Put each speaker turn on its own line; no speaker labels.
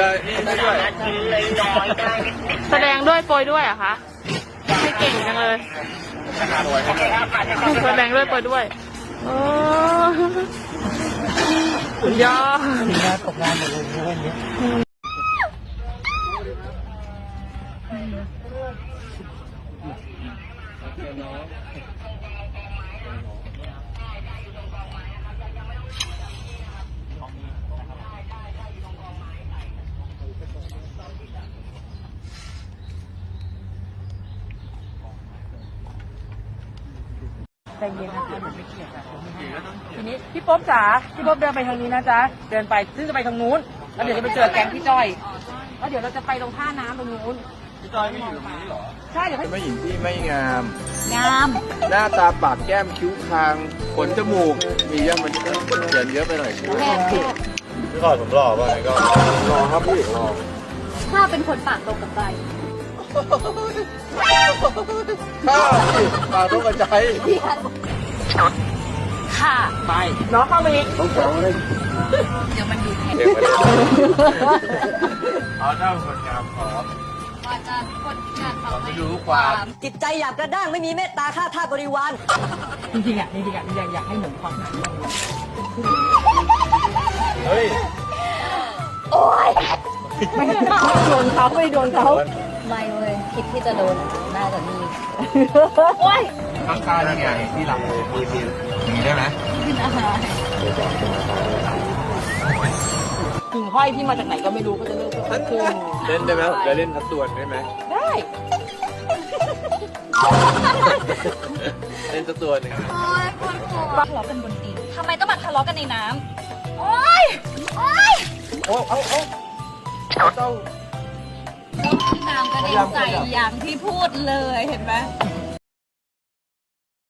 จะนี่ด้วย
แสดงด้วยโปรยด้วยเหรอะคะไม่เก่งจังเลยแสดงด้วยโปรยด้วยโอ้สุดยอด
ตกงานหมดเลยเรื่องนี้ใจเย็นนะคะหนูไม่เกลียดค่ะทีนี้พี่ป๊อบจ๋าพี่ป๊อบเดินไปทางนี้นะจ๊ะเดินไปซึ่งจะไปทางนู้นแล้วเดี๋ยวจะไปเจอแก๊งพี่จ้อยแล้วเดี๋ยวเราจะไปตรงท่าน้ำตรงนู้น
พี่จอยไม่อยู่ตรงนี้หรอ
ใช่เดี๋ยวให้
ไม่หญิงที่ไม่งาม
งาม
หน้าตาปากแก้มคิ้วคางขนจมูกมีเยอะมันเกินเยอะไปหน่อยใช่ไหมพี่ก่อนผมหล่อป่ะไงก็หล่อครับพี่หล่อ
ถ้าเป็นคนปากตรงกับใจ
ข้าพี่ปากต้องกระจาย
ค่ะไปน้องเข้ามาอีก
ต้องแข็งเลย
เดี๋ยวมันดูแข็ง
เอาเจ้าคนงามขอ
ว่าจะคนงานเขา
ไม่รู้ความ
จิตใจหยาบกระด้างไม่มีเมตตาฆ่าทาสบริวาร
จริงๆอ่ะอยากให้เหมือนความหมาย
เฮ้ย
โอ้ย
ไม่โดนเขาไม่โดนเขา
ไม่เว้ยคิดที่จะโดนน่าจะมีโอ้ย
ข้างใต้นี่ไงที่หลังเลยมีอย่างนี้ได้ไหม
กินอาหาร
หิ่งห้อยที่มาจากไหนก็ไม่รู้ก็จะเลิกขึ้น
เล่นได้ไหมผมจะเล่นทับตัวนได้ไหม
ได้
เล่นทับตัวหนึ่ง
โอ้ยคนโกรธทะเลาะกันบนดินทำไมต้องมาทะเลาะกันในน้ำโอ้ยโอ้ย
เจ้า
น้ำกระเด็นใส่อย่างที่พูดเลยเห็นไหม